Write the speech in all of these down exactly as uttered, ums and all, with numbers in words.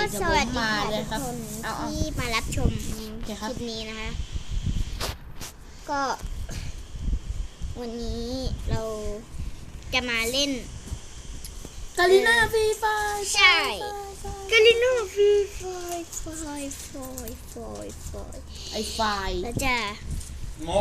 สวัสดีค่ะทุกคนที่มารับชมคลิปนี้นะคะก็วันนี้เราจะมาเล่นกาลิน่าฟรีไฟใช่กาลิน่าฟรีไฟไฟไฟไฟไฟไอไฟแล้วจะโม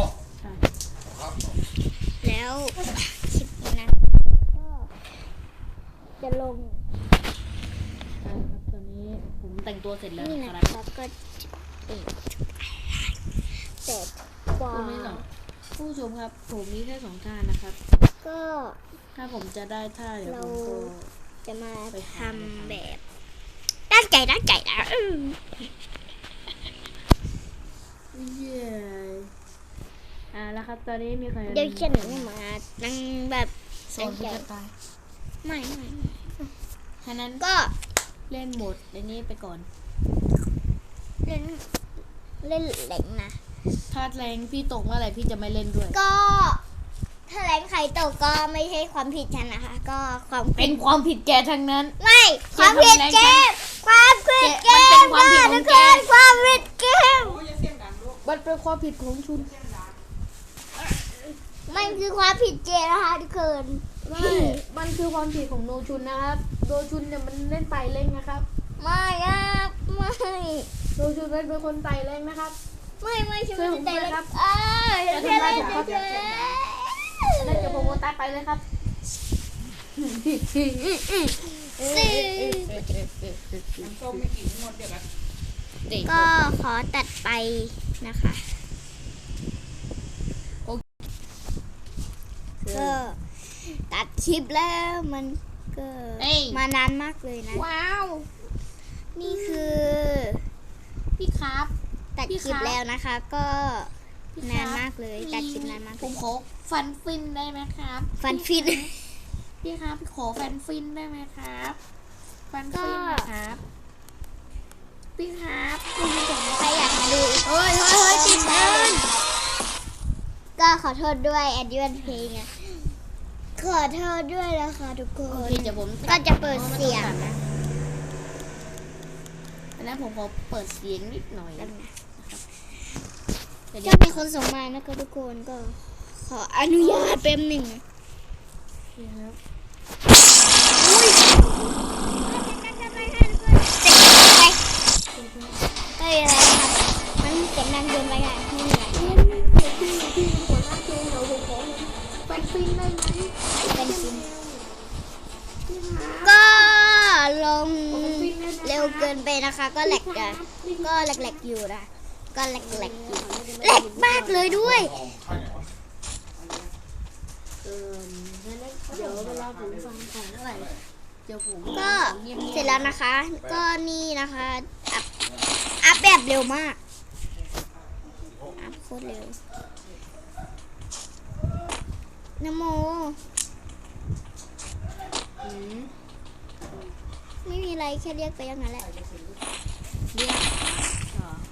แล้วคลิปนี้นะก็จะลงใช่ครับตอนนี้ผมแต่งตัวเสร็จแล้วนี่นะนะคครัรับบก็เป็นแต่กว่าผู้ไม่สองผู้ชมครับผมมีแค่สองท่านะครับก็ถ้าผมจะได้ท่าเดี๋ยวเราผมก็จะมาไปททำำแบบตั้งใจตั้งใจนะอืมเย้อ่าแล้วครับตอนนี้มีใครเดี๋ยวฉันมานั่งแบบโซนที่จะตายไม่ไม่ฉะนั้นก็เล่นโหมดในนี้ไปก่อนเล่นเล่นแหลงนะถ้าแรงพี่ตกเมื่อไหร่พี่จะไม่เล่นด้วยก็ถ้าแหลงไข่ตกก็ไม่ใช่ความผิดฉันนะคะ ก็ความเป็นความผิดแกทั้งนั้นไม่ความผิดเกมความผิดเกมันเป็นมความผิดของทุกแกคนความผิดเกมมันเป็นความผิดของชุนมันคือความผิดเจนะคะทุกคนไม่มันคือความผิดของโนชุนนะครับโนชุนเนี่ยมันเล่นไต่เล่งนะครับไม่ครับไม่โนชุนเป็นคนไต่เล่งนะครับไม่ไม่ฉันช่วยผไม่มได้ด้วยเล่นครับเออฉันไม่ได้เล่นเฉยเล่นกับโปรโมตัสไปเลยครับๆซื้อส้มไม่กินหมดเดี๋ยวกันก็ขอตัดไปนะคะก็ตัดคลิปแล้วมันก็มานานมากเลยนะว้าวนี่คือพี่ครับตัดพี่คลิปครับแล้วนะคะ ก็พี่ครับนานมากเลยตัดคลิปนานมากผเลมยขอฟันฟินได้ไหมครับฟันฟินพี่ครับพี่ขอฟันฟินได้ไหมครับฟันฟินนะครับพี่ครับคุณผู้ชมใครอยากมาดูเฮ้ยเฮ้ยเฮ้ยติดมันก็ขอโทษด้วยแอดยูนเพลงอะขอโทษด้วยนะคะทุกคโอน เคเดี๋ยวผมก็จะเปิดเสียงนะอันนั้นผมขอเปิดเสียงนิดหน่อยแล้วนะเดี๋ยวถ้ามีคนส่งมานะคะทุกคนก็ขออนุญาตแป๊บหนึ่งนะนี่ครับเฮ้ยอะไรครับมันเสียงดังเกินไปอ่ะไม่มีอะไรพี่พี่หัวหน้าเจนเราผมขอฟันฟินได้ไหมเป็นจริงพี่ครับก็ลงเร็วเกินไปนะคะ ก็แหลกอะก็แหลกๆอยู่นะก็แหลกๆอยู่แหลกมากเลยด้วยเออเดี๋ยวเวลาผมฟังของเท่าไหร่เดี๋ยวผมก็เสร็จแล้วนะคะ ก็นี่นะคะอัพอัพแบบเร็วมากอัพโคตรเร็วนะโมอืมไม่มีอะไรแค่เรียกไปอย่างนั้นแหละเรียก